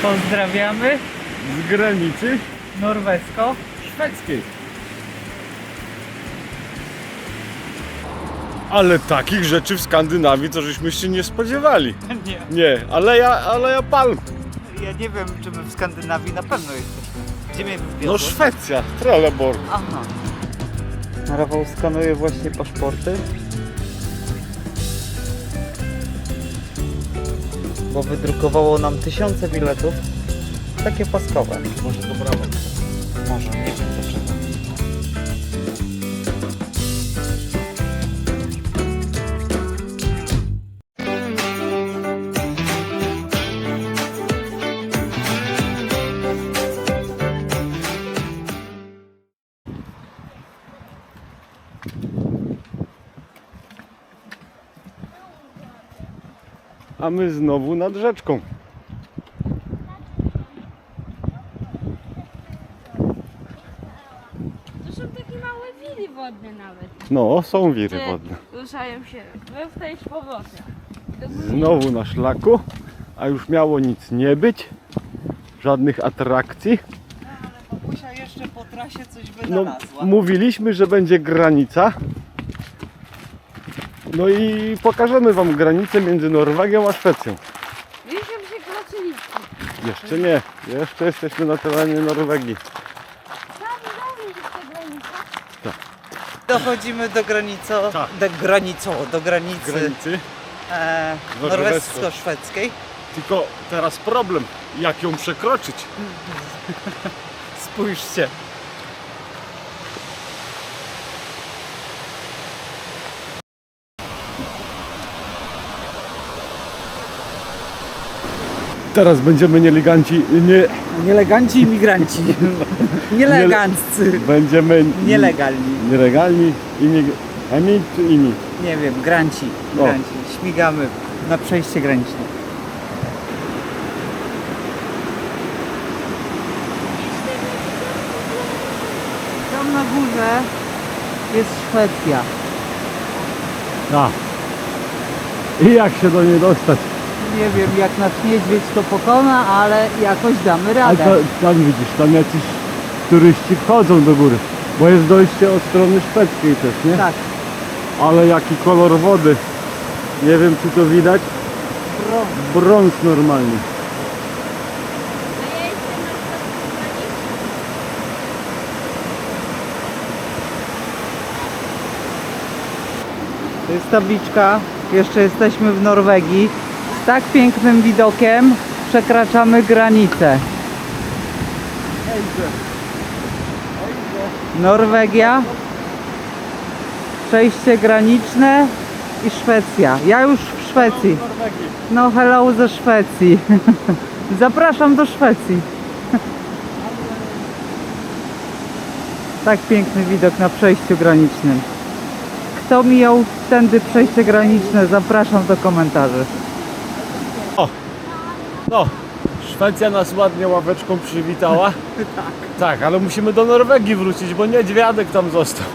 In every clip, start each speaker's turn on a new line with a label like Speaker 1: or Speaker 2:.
Speaker 1: Pozdrawiamy
Speaker 2: z granicy
Speaker 1: norwesko-szwedzkiej.
Speaker 2: Ale takich rzeczy w Skandynawii to żeśmy się nie spodziewali.
Speaker 1: Nie.
Speaker 2: Nie, aleja palm.
Speaker 1: Ja nie wiem, czy my w Skandynawii na pewno jesteśmy. Gdzie mnie
Speaker 2: No
Speaker 1: wwiozło?
Speaker 2: Szwecja, Trelleborg.
Speaker 1: Aha. Rafał skanuje właśnie paszporty. Bo wydrukowało nam tysiące biletów. Takie paskowe.
Speaker 2: Może to brawo.
Speaker 1: Może, nie wiem dlaczego.
Speaker 2: A my znowu nad rzeczką.
Speaker 3: To są takie małe wiry wodne nawet.
Speaker 2: No, są wiry wodne.
Speaker 3: Ruszają się. Wracaj z powrotem. Do góry.
Speaker 2: Znowu na szlaku, a już miało nic nie być. Żadnych atrakcji.
Speaker 1: Ale babusia jeszcze po trasie coś
Speaker 2: No,
Speaker 1: wynalazła.
Speaker 2: mówiliśmy, że będzie granica. No i pokażemy wam granicę między Norwegią a Szwecją.
Speaker 3: Wiesz, że się kroczyliśmy.
Speaker 2: Jeszcze nie, jeszcze jesteśmy na terenie Norwegii.
Speaker 3: Tam jest ta granica.
Speaker 1: Dochodzimy do granicy,
Speaker 2: Tak.
Speaker 1: do granicy
Speaker 2: Granicy.
Speaker 1: norwesko-szwedzkiej.
Speaker 2: Tylko teraz problem, jak ją przekroczyć.
Speaker 1: Spójrzcie.
Speaker 2: Teraz będziemy
Speaker 1: Nieleganci imigranci. Nieleganccy.
Speaker 2: będziemy
Speaker 1: Nielegalni.
Speaker 2: nielegalni emi czy inni?
Speaker 1: Nie wiem, granci.
Speaker 2: O.
Speaker 1: Granci. Śmigamy na przejście graniczne. Tam na górze jest Szwecja.
Speaker 2: Tak. I jak się do niej dostać?
Speaker 1: Nie wiem, jak nas niedźwiedź to pokona, ale jakoś damy
Speaker 2: A
Speaker 1: radę.
Speaker 2: tam widzisz, tam jacyś turyści wchodzą do góry. Bo jest dojście od strony szwedzkiej też, nie?
Speaker 1: Tak,
Speaker 2: Ale jaki kolor wody. Nie wiem czy to widać. Brąz normalnie.
Speaker 3: A ja jestem na granicy.
Speaker 1: to jest tabliczka. Jeszcze jesteśmy w Norwegii. Z tak pięknym widokiem przekraczamy granicę. Norwegia, przejście graniczne i Szwecja. Ja już w Szwecji. No hello ze Szwecji. Zapraszam do Szwecji. Tak piękny widok na przejściu granicznym. Kto mijał tędy przejście graniczne, zapraszam do komentarzy.
Speaker 2: No, Szwecja nas ładnie ławeczką przywitała. Tak, ale musimy do Norwegii wrócić, bo niedźwiadek tam został.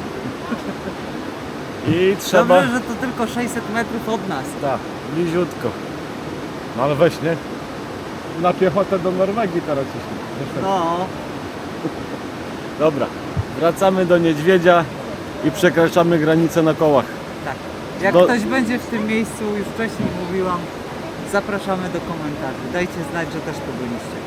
Speaker 2: I trzeba...
Speaker 1: Dobrze, że to tylko 600 metrów od nas.
Speaker 2: Tak, bliziutko. No ale weź, nie? Na piechotę do Norwegii teraz jeśli.
Speaker 1: No,
Speaker 2: Dobra, wracamy do niedźwiedzia i przekraczamy granicę na kołach.
Speaker 1: tak. Jak ktoś będzie w tym miejscu, już wcześniej mówiłam, zapraszamy do komentarzy. Dajcie znać, że też tu byliście.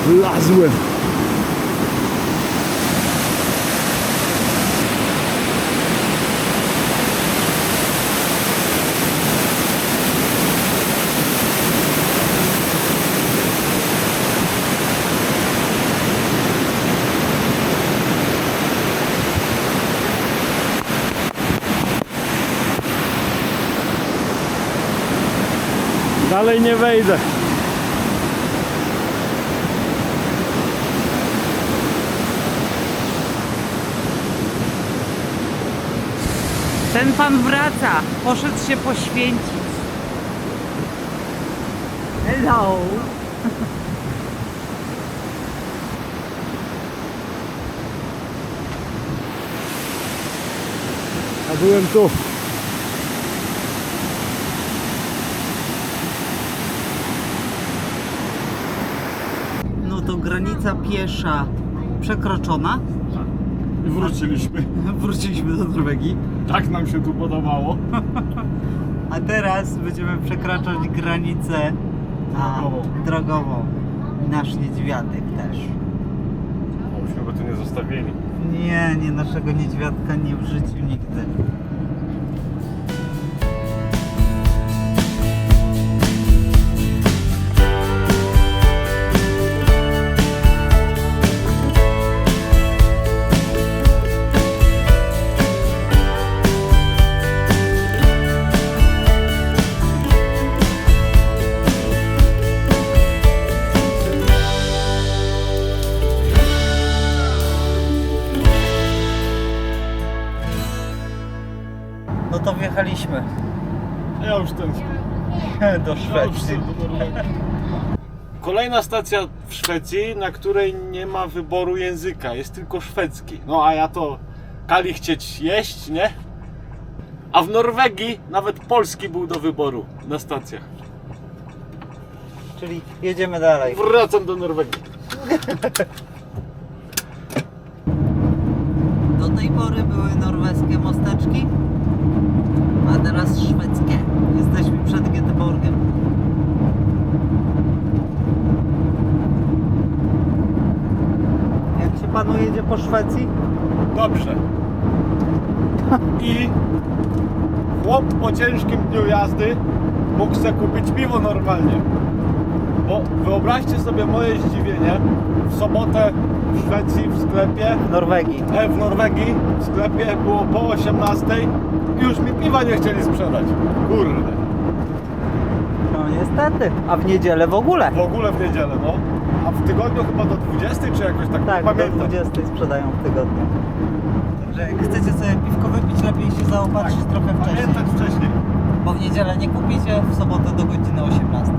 Speaker 2: Wlazłem. Dalej nie wejdę.
Speaker 1: Ten pan wraca, poszedł się poświęcić. Hello.
Speaker 2: A byłem tu.
Speaker 1: No to granica piesza przekroczona.
Speaker 2: I wróciliśmy.
Speaker 1: Wróciliśmy do Norwegii.
Speaker 2: Tak nam się tu podobało.
Speaker 1: A teraz będziemy przekraczać granicę drogową. Nasz niedźwiadek też.
Speaker 2: Myśmy go tu nie zostawili.
Speaker 1: Nie, naszego niedźwiadka nie w życiu nigdy. No to wjechaliśmy
Speaker 2: Ja już ten.
Speaker 1: do Szwecji.
Speaker 2: Kolejna stacja w Szwecji, na której nie ma wyboru języka, jest tylko szwedzki. No a ja to kali chcieć jeść, nie? A w Norwegii nawet polski był do wyboru na stacjach.
Speaker 1: Czyli jedziemy dalej.
Speaker 2: Wracam do Norwegii.
Speaker 1: Do tej pory były norweskie mosteczki, a teraz szwedzkie. Jesteśmy przed Göteborgiem. Jak się panu jedzie po Szwecji?
Speaker 2: Dobrze. I chłop po ciężkim dniu jazdy mógł sobie kupić piwo normalnie. Bo wyobraźcie sobie moje zdziwienie, w sobotę w Szwecji w sklepie,
Speaker 1: W Norwegii.
Speaker 2: w Norwegii w sklepie było po 18 i już mi piwa nie chcieli sprzedać. Kurde.
Speaker 1: No niestety. A w niedzielę w ogóle.
Speaker 2: W ogóle w niedzielę, no. A w tygodniu chyba do 20 czy jakoś tak,
Speaker 1: Tak,
Speaker 2: nie
Speaker 1: do
Speaker 2: pamiętam.
Speaker 1: 20 sprzedają w tygodniu. Także jak chcecie sobie piwko wypić, lepiej się zaopatrzyć trochę wcześniej.
Speaker 2: Pamiętać wcześniej.
Speaker 1: Bo w niedzielę nie kupicie, w sobotę do godziny 18.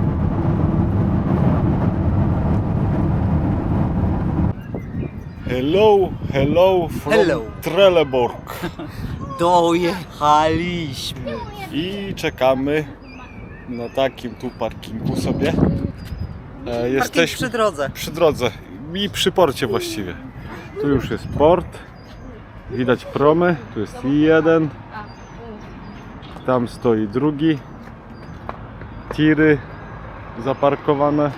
Speaker 2: Hello from
Speaker 1: Hello.
Speaker 2: Trelleborg.
Speaker 1: Dojechaliśmy.
Speaker 2: I czekamy na takim tu parkingu sobie.
Speaker 1: Jesteśmy przy drodze.
Speaker 2: Przy drodze i przy porcie właściwie. Tu już jest port. Widać promy. Tu jest jeden. Tam stoi drugi. Tiry zaparkowane.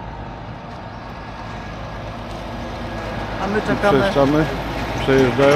Speaker 1: A my czekamy.
Speaker 2: Przejeżdżamy. Przejeżdżają.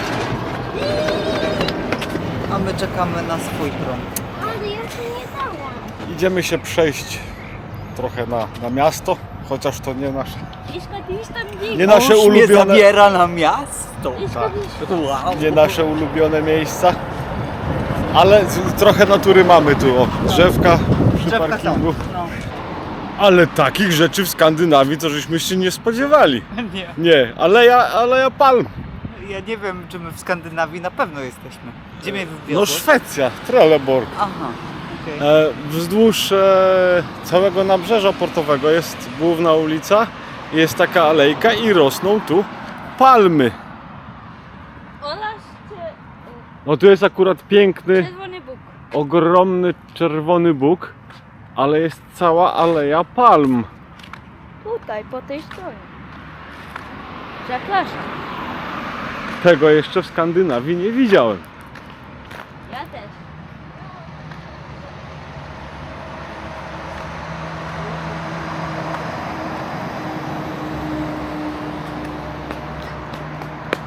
Speaker 1: A my czekamy na swój prom.
Speaker 3: Ale ja się nie dałam.
Speaker 2: Idziemy się przejść trochę na miasto. Chociaż to nie nasze.
Speaker 3: Iska, ty już tam biegł.
Speaker 2: Nie nasze
Speaker 1: Mąż mnie
Speaker 2: ulubione.
Speaker 1: zabiera na miasto.
Speaker 2: Tak.
Speaker 1: Wow.
Speaker 2: Nie nasze ulubione miejsca. Ale trochę natury mamy tu. O, drzewka przy
Speaker 1: Drzewka są.
Speaker 2: parkingu.
Speaker 1: No.
Speaker 2: Ale takich rzeczy w Skandynawii to żeśmy się nie spodziewali.
Speaker 1: Nie.
Speaker 2: Nie, aleja palm.
Speaker 1: Ja nie wiem, czy my w Skandynawii na pewno jesteśmy. Gdzie mnie
Speaker 2: No
Speaker 1: wywiozłeś?
Speaker 2: Szwecja, Trelleborg.
Speaker 1: Aha. okej.
Speaker 2: Wzdłuż całego nabrzeża portowego jest główna ulica, jest taka alejka i rosną tu palmy.
Speaker 3: Olasz
Speaker 2: No tu jest akurat piękny,
Speaker 3: czerwony Bóg.
Speaker 2: ogromny czerwony bóg, ale jest cała aleja palm.
Speaker 3: Tutaj, po tej stronie. Zapraszam.
Speaker 2: Tego jeszcze w Skandynawii nie widziałem.
Speaker 3: Ja też.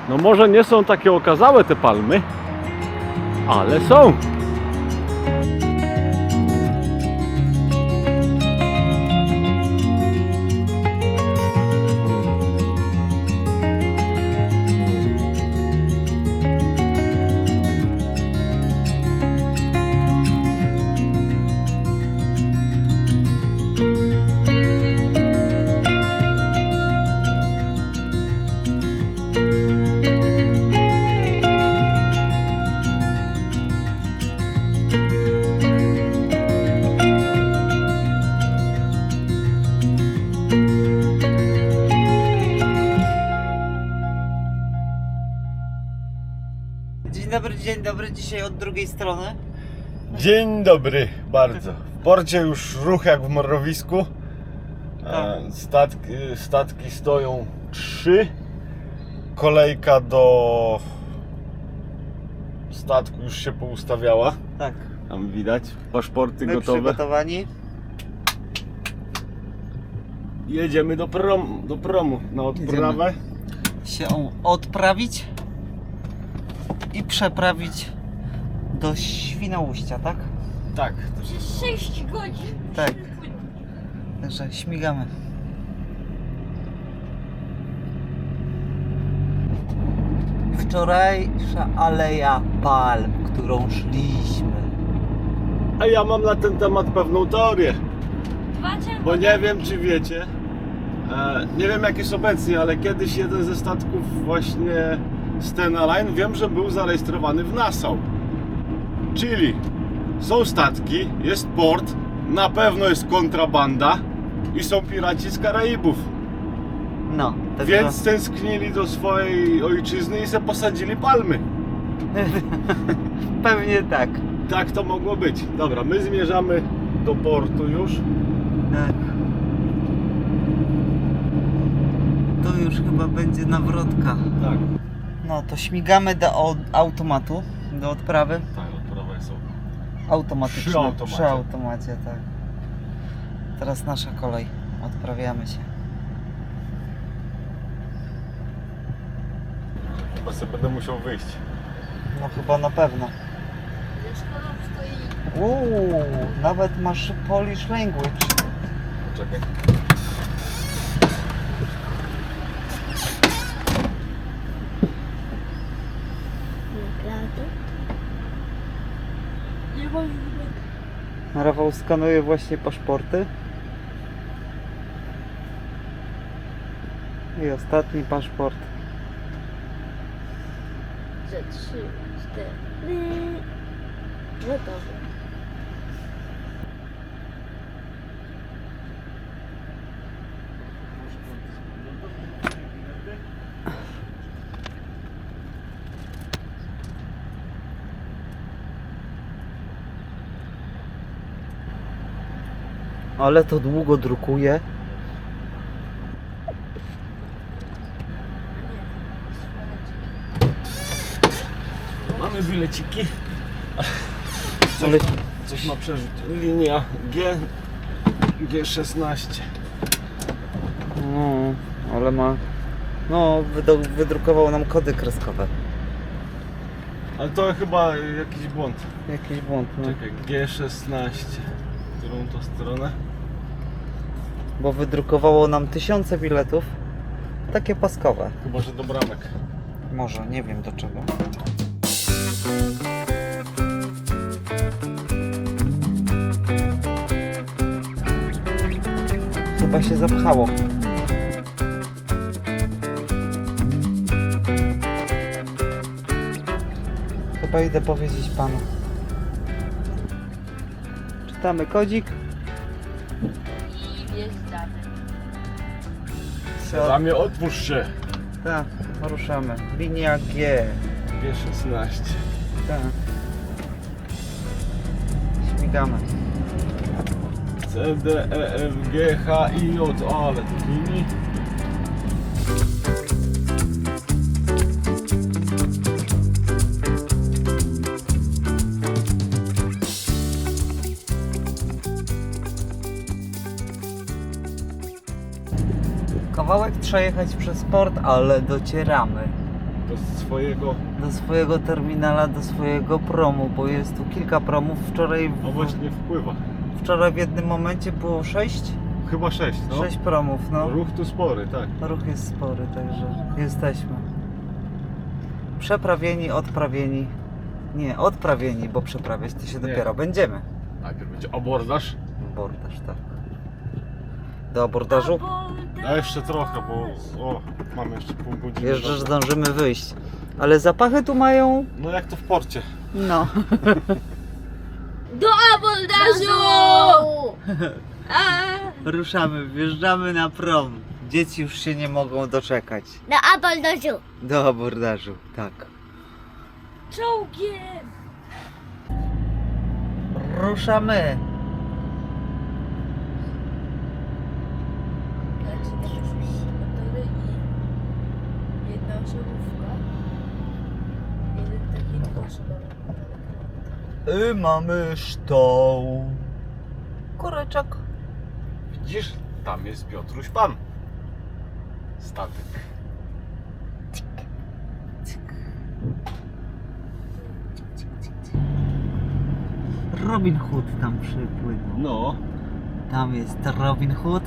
Speaker 2: No może nie są takie okazałe te palmy, ale są.
Speaker 1: Dzień dobry, dzisiaj od drugiej strony.
Speaker 2: Dzień dobry, bardzo. W porcie już ruch jak w mrowisku. Statki stoją 3. Kolejka do statku już się poustawiała.
Speaker 1: Tak.
Speaker 2: Tam widać, paszporty
Speaker 1: My
Speaker 2: gotowe.
Speaker 1: przygotowani.
Speaker 2: Jedziemy do promu na odprawę.
Speaker 1: Się odprawić i przeprawić do Świnoujścia, tak?
Speaker 2: Tak.
Speaker 3: Przez 6 godzin.
Speaker 1: Tak. Także śmigamy. Wczorajsza aleja palm, którą szliśmy.
Speaker 2: A ja mam na ten temat pewną teorię. Bo nie wiem, czy wiecie, nie wiem jak jest obecnie, ale kiedyś jeden ze statków właśnie Stena Line, wiem, że był zarejestrowany w Nassau. Czyli są statki, jest port, na pewno jest kontrabanda i są piraci z Karaibów.
Speaker 1: No, tak.
Speaker 2: Więc tęsknili do swojej ojczyzny i se posadzili palmy.
Speaker 1: Pewnie tak.
Speaker 2: Tak to mogło być. Dobra, my zmierzamy do portu już.
Speaker 1: Tak. To już chyba będzie nawrotka.
Speaker 2: Tak.
Speaker 1: No to śmigamy do automatu, do odprawy.
Speaker 2: Tak, odprawa jest
Speaker 1: Automatyczne.
Speaker 2: Przy automacie.
Speaker 1: Przy automacie, tak. Teraz nasza kolej. Odprawiamy się.
Speaker 2: Chyba sobie będę musiał wyjść.
Speaker 1: No chyba na pewno. Nawet masz Polish language.
Speaker 2: Czekaj.
Speaker 3: Nie wolno.
Speaker 1: Rafał skanuje właśnie paszporty. I ostatni paszport.
Speaker 3: Za 3, 4. Gotowe.
Speaker 1: Ale to długo drukuje.
Speaker 2: Mamy bileciki.
Speaker 1: Ale
Speaker 2: Coś ma przeżyć. Linia G16.
Speaker 1: no, ale ma. No, wydrukował nam kody kreskowe.
Speaker 2: Ale to chyba jakiś błąd.
Speaker 1: Jakiś błąd, no.
Speaker 2: Czekaj, G16. Którą to stronę?
Speaker 1: Bo wydrukowało nam tysiące biletów. Takie paskowe.
Speaker 2: Chyba, że do bramek.
Speaker 1: Może, nie wiem do czego. Chyba się zapchało. Chyba idę powiedzieć panu. Czytamy kodzik.
Speaker 3: I wjeżdżamy.
Speaker 2: Ramię, otwórz się.
Speaker 1: Tak, ruszamy. Linia G.
Speaker 2: G16.
Speaker 1: Tak. Śmigamy.
Speaker 2: C, D, E, F, G, H, I, J. O, ale to linii.
Speaker 1: Kawałek trzeba jechać przez port, ale docieramy. do swojego terminala, do swojego promu, bo jest tu kilka promów.
Speaker 2: No właśnie wpływa.
Speaker 1: Wczoraj w jednym momencie było 6?
Speaker 2: Chyba 6, no.
Speaker 1: 6 promów, no.
Speaker 2: Ruch tu spory, tak.
Speaker 1: Ruch jest spory, także jesteśmy. Przeprawieni, odprawieni. Nie, odprawieni, bo przeprawiać to się
Speaker 2: Nie.
Speaker 1: dopiero będziemy.
Speaker 2: Najpierw będzie abordaż.
Speaker 1: Abordaż, tak. Do abordażu?
Speaker 2: A jeszcze trochę, bo mamy jeszcze pół godziny.
Speaker 1: Jeszcze zdążymy wyjść. Ale zapachy tu mają...
Speaker 2: No jak to w porcie.
Speaker 1: No.
Speaker 3: Do abordażu!
Speaker 1: Ruszamy, wjeżdżamy na prom. Dzieci już się nie mogą doczekać.
Speaker 4: Do abordażu.
Speaker 1: Do abordażu, tak.
Speaker 3: Czołgiem!
Speaker 1: Ruszamy.
Speaker 3: Motory i jedna osobówka. Jeden taki dwuosobowy.
Speaker 1: I mamy sztoł. Kureczek.
Speaker 2: Widzisz? Tam jest Piotruś Pan. Statek.
Speaker 1: Robin Hood tam przypłynął.
Speaker 2: No.
Speaker 1: Tam jest Robin Hood.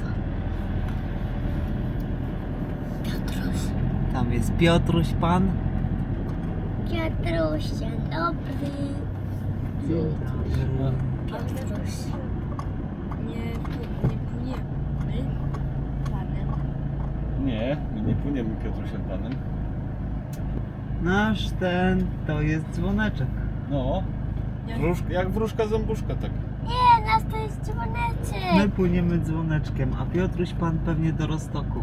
Speaker 4: Piotruś.
Speaker 1: Tam jest Piotruś Pan.
Speaker 4: Piotruś, dzień dobry. Piotruś.
Speaker 3: Nie płyniemy panem.
Speaker 2: Nie, my nie płyniemy Piotrusiem Panem.
Speaker 1: Nasz ten to jest dzwoneczek.
Speaker 2: No. Jak wróżka zębuszka, tak.
Speaker 4: Nie, nas to jest
Speaker 1: My
Speaker 4: dzwoneczek.
Speaker 1: płyniemy dzwoneczkiem, a Piotruś Pan pewnie do Roztoku.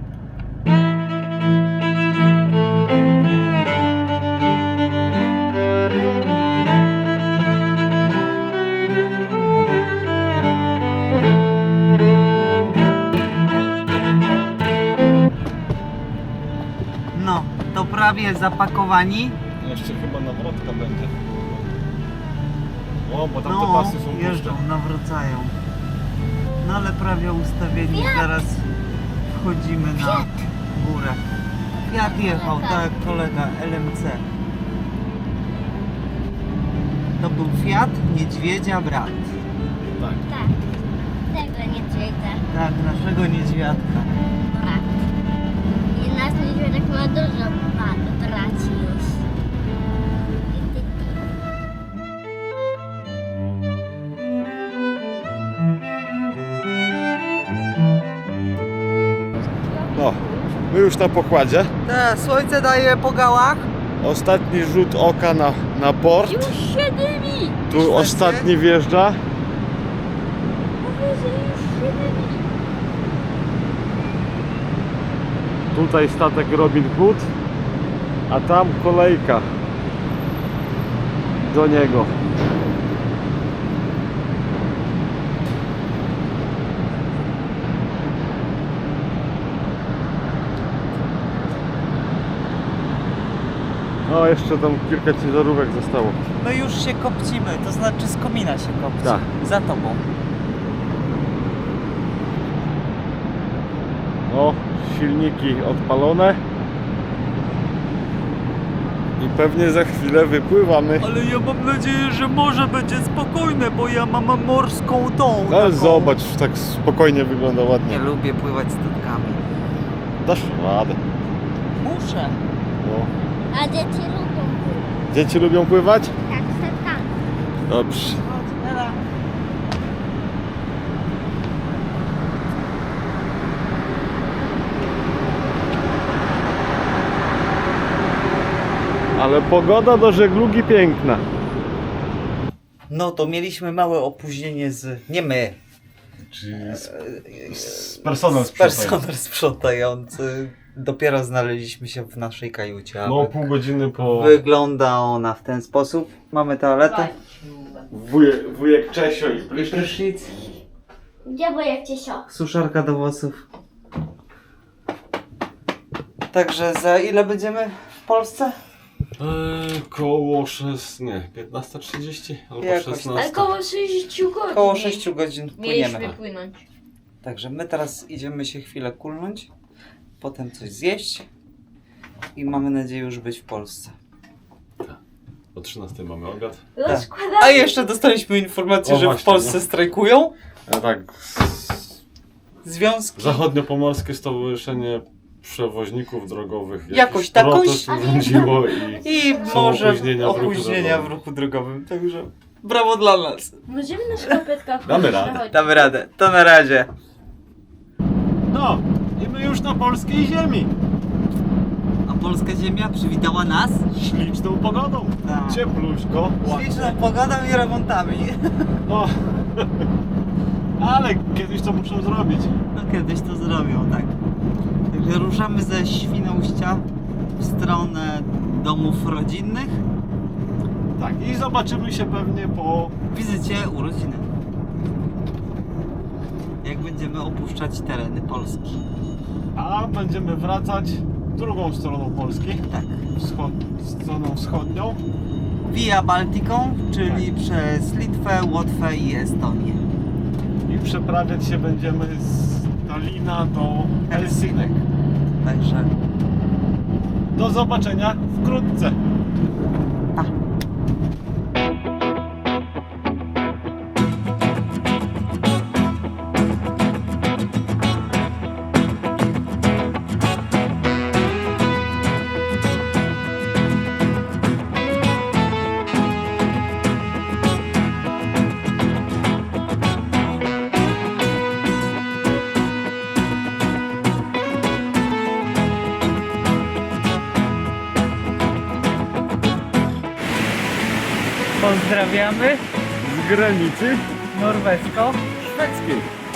Speaker 1: No, to prawie zapakowani.
Speaker 2: Jeszcze chyba nawrotka będzie. O, bo tam te
Speaker 1: No,
Speaker 2: pasy są
Speaker 1: jeżdżą,
Speaker 2: puste.
Speaker 1: nawracają. No ale prawie ustawieni, zaraz wchodzimy na górę. Fiat jechał, tak, kolega LMC. To był Fiat Niedźwiedzia brat.
Speaker 2: Tak.
Speaker 4: Tak. Tego nie czyta.
Speaker 1: Tak, naszego niedźwiadka.
Speaker 4: Brat. I nasz niedźwiadek ma dużo braci już.
Speaker 2: No, my już na pokładzie.
Speaker 1: Tak, słońce daje po gałach.
Speaker 2: Ostatni rzut oka na port.
Speaker 3: Już się dymi!
Speaker 2: Tu ostatni wjeżdża.
Speaker 3: Mówię, że już się dymi.
Speaker 2: Tutaj statek Robin Hood, a tam kolejka do niego. No, jeszcze tam kilka ciężarówek zostało.
Speaker 1: My już się kopcimy, to znaczy z komina się kopci.
Speaker 2: Tak.
Speaker 1: Za tobą.
Speaker 2: No, silniki odpalone. I pewnie za chwilę wypływamy.
Speaker 1: Ale ja mam nadzieję, że morze będzie spokojne, bo ja mam morską tą.
Speaker 2: No,
Speaker 1: taką.
Speaker 2: zobacz, tak spokojnie wygląda
Speaker 1: Nie
Speaker 2: ładnie.
Speaker 1: lubię pływać statkami.
Speaker 2: Dasz radę.
Speaker 1: Muszę.
Speaker 2: No.
Speaker 4: A dzieci lubią pływać.
Speaker 2: Dzieci lubią pływać?
Speaker 4: Tak, statkami.
Speaker 2: Dobrze. Ale pogoda do żeglugi piękna.
Speaker 1: No to mieliśmy małe opóźnienie z... Nie my.
Speaker 2: Czyli personel
Speaker 1: Personel sprzątający. Dopiero znaleźliśmy się w naszej kajucie.
Speaker 2: No,
Speaker 1: aby-
Speaker 2: pół godziny po...
Speaker 1: Wygląda ona w ten sposób. Mamy toaletę.
Speaker 2: Wujek Czesio i prysznic.
Speaker 1: Prysznic.
Speaker 4: Gdzie wujek Ciesio?
Speaker 1: Suszarka do włosów. Także za ile będziemy w Polsce?
Speaker 2: Koło 15:30 albo
Speaker 1: Jakoś
Speaker 2: 16.
Speaker 3: Ale koło 60 godzin.
Speaker 1: Około 6 godzin
Speaker 3: Mieliśmy
Speaker 1: płyniemy.
Speaker 3: płynąć.
Speaker 1: Także my teraz idziemy się chwilę kulnąć, potem coś zjeść i mamy nadzieję już być w Polsce.
Speaker 2: O 13 mamy obiad.
Speaker 3: Rozkładamy.
Speaker 1: A jeszcze dostaliśmy informację,
Speaker 2: O,
Speaker 1: że
Speaker 2: właśnie,
Speaker 1: w Polsce
Speaker 2: no.
Speaker 1: strajkują
Speaker 2: A tak,
Speaker 1: związki.
Speaker 2: Zachodniopomorskie Stowarzyszenie Przewoźników Drogowych
Speaker 1: Jakoś
Speaker 2: jakiś
Speaker 1: takoś.
Speaker 2: protest urządziło i
Speaker 1: I
Speaker 2: są
Speaker 1: może
Speaker 2: opóźnienia w ruchu
Speaker 1: w ruchu drogowym. Także brawo dla nas.
Speaker 3: Możemy na szkopetkach
Speaker 2: Damy radę.
Speaker 3: przechodzić.
Speaker 1: Damy radę. To na razie.
Speaker 2: No, i my już na polskiej ziemi.
Speaker 1: A polska ziemia przywitała nas
Speaker 2: Śliczną pogodą.
Speaker 1: Tak.
Speaker 2: Ciepluśko.
Speaker 1: śliczną pogodą i remontami.
Speaker 2: No, ale kiedyś to muszą zrobić.
Speaker 1: No kiedyś to zrobią, tak. Także ruszamy ze Świnoujścia w stronę domów rodzinnych.
Speaker 2: Tak, i zobaczymy się pewnie po...
Speaker 1: Wizycie urodziny. Jak będziemy opuszczać tereny Polski.
Speaker 2: A będziemy wracać drugą stroną Polski.
Speaker 1: Tak.
Speaker 2: Stroną wschodnią.
Speaker 1: Via Baltiką, czyli przez Litwę, Łotwę i Estonię.
Speaker 2: I przeprawiać się będziemy z Talina do Helsinek.
Speaker 1: Także
Speaker 2: Do zobaczenia wkrótce.
Speaker 1: pa. Pozdrawiamy
Speaker 2: Z granicy
Speaker 1: norwesko-szwedzkiej.
Speaker 2: szwedzkiej.